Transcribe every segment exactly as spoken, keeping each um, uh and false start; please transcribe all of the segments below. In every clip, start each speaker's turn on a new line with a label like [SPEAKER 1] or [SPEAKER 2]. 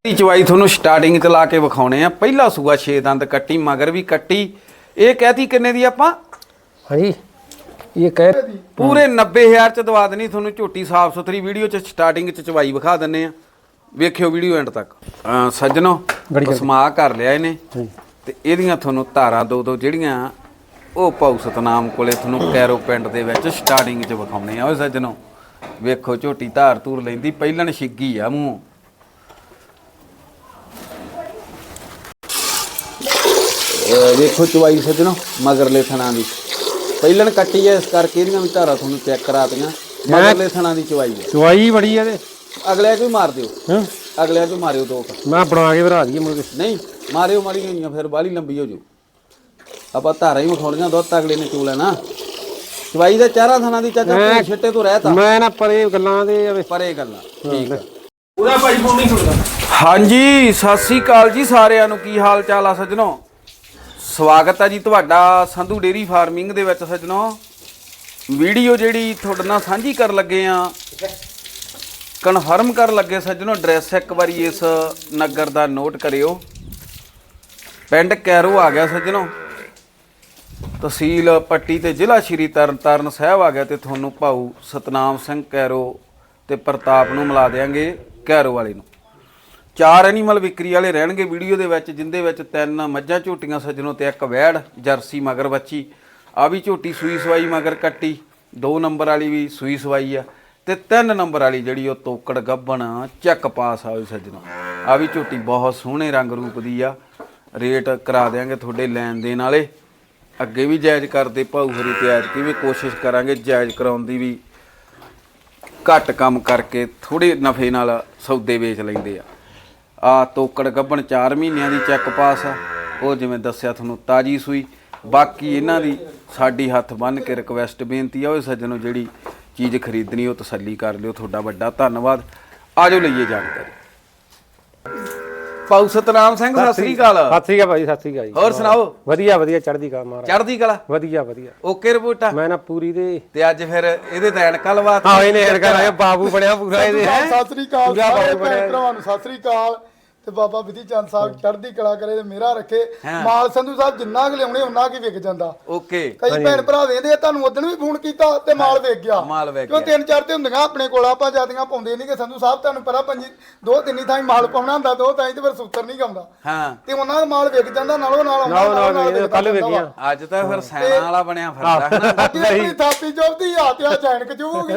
[SPEAKER 1] चवाई थोनू starting च ला के विखाने आ। पहला सूआ छे दंद कट्टी मगर भी कट्टी। ये कहती किन्ने दी आपां?
[SPEAKER 2] हाँ जी ये कह
[SPEAKER 1] पूरे नब्बे हज़ार च दवा देनी थोनू झोटी साफ सुथरी। वीडियो च स्टार्टिंग च चवाई विखा दिंने आ, वेखियो वीडियो एंड तक। सज्जनों पसमा कर लिया इन्हें ते इहदियां थोनू धारां दो दो जिहड़ियां ਉਹ ਭਾਊ ਸਤਨਾਮ ਕੋਲੇ ਤੁਹਾਨੂੰ ਕੈਰੋ ਪਿੰਡ ਦੇ ਵਿੱਚ ਸਟਾਰਟਿੰਗ 'ਚ ਵਿਖਾਉਣੇ ਆ। ਓਏ ਸੱਜਣੋ ਵੇਖੋ ਝੋਟੀ ਧਾਰ ਧੂਰ ਲੈਂਦੀ ਪਹਿਲਣ ਛਿੱਗੀ ਆ ਮੂੰਹ। ਵੇਖੋ ਚਵਾਈ ਸੱਜਣੋ ਮਗਰਲੇ ਥਣਾ ਦੀ ਪਹਿਲਣ ਕੱਟੀ ਐ, ਇਸ ਕਰਕੇ ਇਹਦੀਆਂ ਵੀ ਧਾਰਾਂ ਤੁਹਾਨੂੰ ਚੈੱਕ ਕਰਾਤੀਆਂ। ਮਗਰਲੇ ਥਣਾ ਦੀ ਚਵਾਈ ਹੈ,
[SPEAKER 2] ਚਵਾਈ ਬੜੀ ਆ ਤੇ
[SPEAKER 1] ਅਗਲਿਆਂ 'ਚ ਵੀ ਮਾਰ ਦਿਓ। ਹਾਂ ਅਗਲਿਆਂ 'ਚ ਮਾਰਿਓ ਦੋ
[SPEAKER 2] ਮੈਂ ਬਣਾ ਕੇ ਭਰਾ ਦਈਏ ਮੁਰਗੇ।
[SPEAKER 1] ਨਹੀਂ ਮਾਰਿਓ ਮਾੜੀ ਹੋਈਆਂ ਫਿਰ ਬਾਹਲੀ ਲੰਬੀ ਹੋ ਜੂ। ਆਪਾਂ ਧਾਰਾਂ ਹੀ ਵਿਖਾਉਣੀਆਂ ਦੁੱਧ ਅਗਲੇ ਨੇ ਚੋ ਲੈਣਾ। ਚਵਾਈ ਦਾ ਚਾਰਾਂ ਥਾਣਾ ਦੀ ਚਾਚਾ ਛਿੱਟੇ ਤੋਂ ਰਹਿਤਾ
[SPEAKER 2] ਮੈਂ ਨਾ ਪਰੇ ਗੱਲਾਂ ਦੇ
[SPEAKER 1] ਪਰੇ ਗੱਲਾਂ ਠੀਕ ਹੈ। ਉਹਦਾ ਭਾਈ ਫੋਨ ਨਹੀਂ ਸੁਣਦਾ। ਹਾਂਜੀ ਸਤਿ ਸ੍ਰੀ ਅਕਾਲ ਜੀ ਸਾਰਿਆਂ ਨੂੰ, ਕੀ ਹਾਲ ਚਾਲ ਆ ਸੱਜਣੋ? ਸਵਾਗਤ ਹੈ ਜੀ ਤੁਹਾਡਾ ਸੰਧੂ ਡੇਰੀ ਫਾਰਮਿੰਗ ਦੇ ਵਿੱਚ। ਸੱਜਣੋ ਵੀਡੀਓ ਜਿਹੜੀ ਤੁਹਾਡੇ ਨਾਲ ਸਾਂਝੀ ਕਰਨ ਲੱਗੇ ਆ, ਕਨਫਰਮ ਕਰਨ ਲੱਗੇ ਸੱਜਣੋ। ਐਡਰੈਸ ਇੱਕ ਵਾਰੀ ਇਸ ਨਗਰ ਦਾ ਨੋਟ ਕਰਿਓ। ਪਿੰਡ ਕੈਰੋ ਆ ਗਿਆ ਸੱਜਣੋ, ਤਹਿਸੀਲ ਪੱਟੀ ਤੇ ਜ਼ਿਲ੍ਹਾ ਸ਼੍ਰੀ ਤਰਨਤਾਰਨ ਸਾਹਿਬ ਆ ਗਿਆ। ਤੇ ਤੁਹਾਨੂੰ ਭਾਊ ਸਤਨਾਮ ਸਿੰਘ ਕੈਰੋ ਤੇ ਪ੍ਰਤਾਪ ਨੂੰ ਮਿਲਾ ਦੇਾਂਗੇ ਕੈਰੋ ਵਾਲੇ ਨੂੰ। ਚਾਰ ਐਨੀਮਲ ਵਿਕਰੀ ਵਾਲੇ ਰਹਿਣਗੇ ਵੀਡੀਓ ਦੇ ਵਿੱਚ, ਜਿੰਦੇ ਵਿੱਚ ਤਿੰਨ ਮੱਝਾਂ ਝੋਟੀਆਂ ਸੱਜਣੋ ਤੇ ਇੱਕ ਵੈੜ ਜਰਸੀ ਮਗਰ ਬੱਚੀ। ਆ ਵੀ ਝੋਟੀ ਸੂਈ ਸਵਾਈ ਮਗਰ ਕੱਟੀ, ਦੋ ਨੰਬਰ ਵਾਲੀ ਵੀ ਸੂਈ ਸਵਾਈ ਆ ਤੇ ਤਿੰਨ ਨੰਬਰ ਵਾਲੀ ਜਿਹੜੀ ਉਹ ਤੋਕੜ ਗੱਭਣ ਚੱਕ ਪਾਸ ਆ ਸੱਜਣੋ। ਆ ਵੀ ਝੋਟੀ ਬਹੁਤ ਸੋਹਣੇ ਰੰਗ ਰੂਪ ਦੀ ਆ। ਰੇਟ ਕਰਾ ਦੇਾਂਗੇ ਤੁਹਾਡੇ ਲੈਣ ਦੇਣ ਵਾਲੇ। ਅੱਗੇ ਵੀ ਜਾਇਜ਼ ਕਰਦੇ ਭਾਊ ਹਰੀ ਤੇ ਐਤਕੀ ਵੀ ਕੋਸ਼ਿਸ਼ ਕਰਾਂਗੇ ਜਾਇਜ਼ ਕਰਾਉਣ ਦੀ ਵੀ। ਘੱਟ ਕੰਮ ਕਰਕੇ ਥੋੜੇ ਨਫੇ ਨਾਲ ਸੌਦੇ ਵੇਚ ਲੈਂਦੇ ਆ। ਆ ਤੋਕੜ ਗੱਭਣ ਚਾਰ ਮਹੀਨਿਆਂ ਦੀ ਚੈੱਕ ਪਾਸ ਆ, ਉਹ ਜਿਵੇਂ ਦੱਸਿਆ ਤੁਹਾਨੂੰ ਤਾਜੀ ਸੂਈ। ਬਾਕੀ ਇਹਨਾਂ ਦੀ ਸਾਡੀ ਹੱਥ ਬੰਨ੍ਹ ਕੇ ਰਿਕਵੈਸਟ ਬੇਨਤੀ ਆ, ਉਹ ਸੱਜਣੋ ਜਿਹੜੀ ਚੀਜ਼ ਖਰੀਦਣੀ ਉਹ ਤਸੱਲੀ ਕਰ ਲਿਓ। ਤੁਹਾਡਾ ਵੱਡਾ ਧੰਨਵਾਦ। ਆਜੋ ਲਈਏ ਜਾਣਕਾਰੀ। ਭਾਊ ਸਤਨਾਮ ਸਿੰਘ ਸਤਿ ਸ੍ਰੀ ਅਕਾਲ।
[SPEAKER 2] ਸਤਿ ਸ੍ਰੀ ਅਕਾਲ ਭਾਈ, ਸਤਿ ਸ੍ਰੀ ਅਕਾਲ ਜੀ।
[SPEAKER 1] ਹੋਰ ਸੁਣਾਓ?
[SPEAKER 2] ਵਧੀਆ ਵਧੀਆ ਚੜ੍ਹਦੀ ਕਲਾ ਮਹਾਰਾਜ।
[SPEAKER 1] ਚੜ੍ਹਦੀ ਕਲਾ
[SPEAKER 2] ਵਧੀਆ ਵਧੀਆ
[SPEAKER 1] ਓਕੇ ਰਿਪੋਰਟ ਆ।
[SPEAKER 2] ਮੈਂ ਨਾ ਪੂਰੀ ਦੇ
[SPEAKER 1] ਤੇ ਅੱਜ ਫਿਰ ਇਹਦੇ ਤਾਂ ਐਨਕਾਂ ਲਵਾ
[SPEAKER 2] ਹਾਂ ਇਹਨੇ ਐਨਕਾਂ ਲਾਇਆ। ਬਾਬੂ ਬਣਿਆ ਪੂਰਾ ਇਹਦੇ।
[SPEAKER 3] ਸਤਿ ਸ੍ਰੀ ਅਕਾਲ ਸਾਰੇ ਭੈਣ ਭਰਾਵਾਂ ਨੂੰ ਸਤਿ ਸ੍ਰੀ ਅਕਾਲ। ਤੇ ਬਾਬਾ ਵਿਧੀ ਚੰਦ ਸਾਹਿਬ ਚੜ੍ਹਦੀ ਕਲਾ ਕਰੇ ਤੇ ਮੇਰਾ ਰੱਖੇ। ਮਾਲ ਸੰਧੂ ਸਾਹਿਬ ਜਿੰਨਾ ਕੁ ਲਿਆਉਣੇ ਉਹਨਾਂ ਕੀ ਵਿਕ ਜਾਂਦਾ।
[SPEAKER 1] ਓਕੇ
[SPEAKER 3] ਕਈ ਭੈਣ ਭਰਾ ਵੇਂਦੇ ਆ, ਤੁਹਾਨੂੰ ਉਦੋਂ ਵੀ ਫੋਨ ਕੀਤਾ ਤੇ ਮਾਲ ਵਿਕ ਗਿਆ।
[SPEAKER 1] ਮਾਲ ਵਿਕ
[SPEAKER 3] ਕਿਉਂ ਤਿੰਨ ਚਾਰ ਤੇ ਹੁੰਦੀਆਂ ਆਪਣੇ ਕੋਲ, ਆਪਾਂ ਜਿਆਦੀਆਂ ਪਾਉਂਦੇ ਨਹੀਂ ਕਿ ਸੰਧੂ ਸਾਹਿਬ ਤੁਹਾਨੂੰ ਪਤਾ ਪੰਜੀ ਦੋ ਤਿੰਨੀ ਥਾਈ ਮਾਲ ਪਾਉਣਾ ਹੁੰਦਾ, ਦੋ ਥਾਈ ਤੇ ਫਿਰ ਸੂਤਰ ਨਹੀਂ ਗਾਉਂਦਾ।
[SPEAKER 1] ਹਾਂ
[SPEAKER 3] ਤੇ ਉਹਨਾਂ ਦਾ ਮਾਲ ਵਿਕ ਜਾਂਦਾ ਨਾਲੋਂ ਨਾਲ
[SPEAKER 2] ਨਾਲ ਕੱਲ ਵਿਕਿਆ।
[SPEAKER 1] ਅੱਜ ਤਾਂ ਫਿਰ ਸੈਨਾ ਵਾਲਾ ਬਣਿਆ ਫਿਰਦਾ ਹੈ ਨਾ।
[SPEAKER 3] ਆਪਣੀ ਥਾਪੀ ਜੋਬਦੀ ਆ ਤੇ ਆ ਜੈਨਕ ਜੂਗੀ।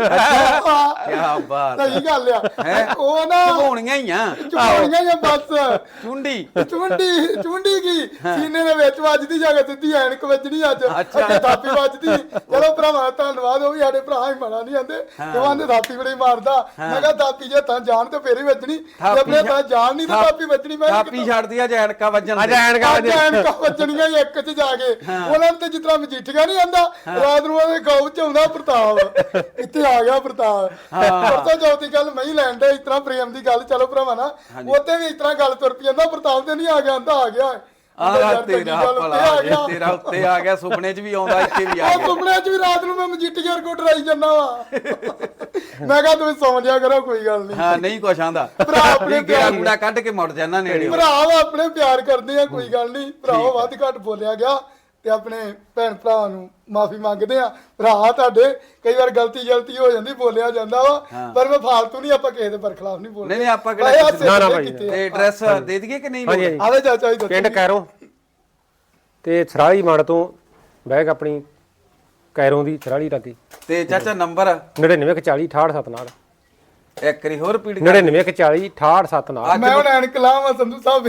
[SPEAKER 1] ਕੀ ਬਾਤ
[SPEAKER 3] ਸਹੀ ਗੱਲ ਆ। ਉਹ ਨਾ
[SPEAKER 1] ਝੋਣੀਆਂ ਹੀ ਆ,
[SPEAKER 3] ਝੋਣੀਆਂ ਹੀ ਬਸ
[SPEAKER 1] ਚੁੰਡੀ
[SPEAKER 3] ਚੁੰਡੀ ਚੁੰਡੀ ਕੀ ਸੀਨੇ ਦੇ ਵਿੱਚ ਵੱਜਦੀ ਜਾ ਕੇ ਸਿੱਧੀ ਐਨਕ ਵੱਜਣੀ। ਅੱਜ ਅੱਗੇ ਥਾਪੀ ਵੱਜਦੀ। ਚਲੋ ਭਰਾਵਾ ਧੰਨਵਾਦ, ਉਹ ਵੀ ਸਾਡੇ ਭਰਾ ਹੀ ਮਾੜਾ ਨਹੀਂ ਆਂਦੇ। ਕਹਿੰਦੇ ਥਾਪੀ ਬੜੀ ਮਾਰਦਾ। ਮੈਂ ਕਿਹਾ ਥਾਪੀ ਜੇ ਤਾਂ ਜਾਣ ਤੇ ਫੇਰ ਹੀ ਵੱਜਣੀ, ਜੇ ਆਪਣੇ ਤਾਂ ਜਾਣ ਨਹੀਂ ਤਾਂ ਥਾਪੀ ਵੱਜਣੀ। ਮੈਂ
[SPEAKER 1] ਥਾਪੀ ਛੱਡਦੀ ਆ ਜੈਨਕਾ ਵੱਜਣ।
[SPEAKER 2] ਅੱਜ ਐਨਕਾਂ
[SPEAKER 3] ਐਨਕਾਂ ਵੱਜਣੀਆਂ ਇੱਕ ਚ ਜਾ ਕੇ। ਉਹਨਾਂ ਤੇ ਜਿਸ ਤਰ੍ਹਾਂ ਮਜੀਠੀਆ ਨਹੀਂ ਆਂਦਾ, ਰਾਤ ਨੂੰ ਉਹਦੇ ਗਾਉ ਚ ਆਉਂਦਾ ਪ੍ਰਤਾਪ। ਇੱਥੇ ਆ ਗਿਆ ਪ੍ਰਤਾਪ। ਪਰਸੋਂ ਚੌਥੀ ਗੱਲ ਮੈਂ ਹੀ ਲੈਣ ਦਾ ਇਸ ਤਰ੍ਹਾਂ ਪ੍ਰੇਮ ਦੀ ਗੱਲ। ਚਲੋ ਭਰਾਵਾ ਨਾ ਉੱਥੇ ਵੀ ਇਸ ਤਰ੍ਹਾਂ ਗੱਲ ਤੁਰ ਪਈ ਜਾਂਦਾ। ਪ੍ਰਤਾਪ ਤੇ ਨਹੀਂ ਆ ਗਿਆ, ਆਂਦਾ ਆ ਗਿਆ।
[SPEAKER 1] ਆਹ ਤੇਰਾ ਭਲਾ ਤੇਰਾ ਉੱਤੇ ਆ ਗਿਆ। ਸੁਪਨੇ 'ਚ ਵੀ ਆਉਂਦਾ, ਇੱਥੇ ਵੀ ਆ ਗਿਆ।
[SPEAKER 3] ਸੁਪਨੇ 'ਚ ਵੀ ਰਾਤ ਨੂੰ ਮੈਂ ਮਜੀਠੀ ਯਾਰ ਕੋ ਡਰਾਈ ਜਾਂਦਾ ਵਾ। ਮੈਂ ਕਿਹਾ ਤੁਸੀਂ ਸੌਂ ਜਿਆ ਕਰੋ, ਕੋਈ ਗੱਲ ਨਹੀਂ।
[SPEAKER 1] ਹਾਂ ਨਹੀਂ ਕੁਛ ਆਂਦਾ।
[SPEAKER 3] ਭਰਾ ਆਪਣੇ
[SPEAKER 1] ਗੇੜਾ ਗੂੜਾ ਕੱਢ ਕੇ ਮੁੜ ਜਾਂਦਾ ਨੇੜੇ।
[SPEAKER 3] ਭਰਾ ਆਪਣੇ ਪਿਆਰ ਕਰਦੇ ਆ, ਕੋਈ ਗੱਲ ਨਹੀਂ। ਭਰਾ ਵੱਧ ਘੱਟ ਬੋਲਿਆ ਗਿਆ ਤੇ ਆਪਣੇ ਭੈਣ ਭਰਾ ਨੂੰ ਮਾਫੀ ਮੰਗਦੇ ਆ। ਭਰਾ ਤੁਹਾਡੇ ਕਈ ਵਾਰ ਗਲਤੀ ਗਲਤੀ ਹੋ ਜਾਂਦੀ, ਬੋਲਿਆ ਜਾਂਦਾ ਵਾ, ਪਰ ਮੈਂ ਫਾਲਤੂ ਨਹੀਂ, ਆਪਾਂ ਕਿਸੇ ਦੇ ਬਰਖਲਾਫ ਨਹੀਂ ਬੋਲਦੇ।
[SPEAKER 1] ਨਹੀਂ ਆਪਾਂ ਕਿਹੜਾ
[SPEAKER 2] ਨਾ ਨਾ ਭਾਈ।
[SPEAKER 1] ਤੇ ਐਡਰੈਸ ਦੇ ਦਈਏ ਕਿ ਨਹੀਂ?
[SPEAKER 3] ਆਵੇ ਚਾਚਾ ਜੀ
[SPEAKER 2] ਪਿੰਡ ਕੈਰੋ ਤੇ ਥਰਾਲੀ ਮੰਡ ਤੋਂ ਬੈਗ ਆਪਣੀ ਕੈਰੋ ਦੀ ਥਰਾਲੀ ਲੱਗੀ।
[SPEAKER 1] ਤੇ ਚਾਚਾ ਨੰਬਰ
[SPEAKER 2] ਨੜਿਨਵੇਂ ਇੱਕ ਚਾਲੀ ਅਠਾਹਠ ਸੱਤ ਨਾਲ।
[SPEAKER 1] ਇੱਕ ਵਾਰੀ ਹੋਰ ਰਿਪੀਟ ਕਰ।
[SPEAKER 2] ਨੜਿਨਵੇਂ ਇੱਕ ਚਾਲੀ ਅਠਾਹਠ ਸੱਤ ਨਾਲ।
[SPEAKER 3] ਮੈਂ ਹੁਣ ਐਨਕ ਲਾਵਾਂ ਸੰਧੂ ਸਾਹਿਬ।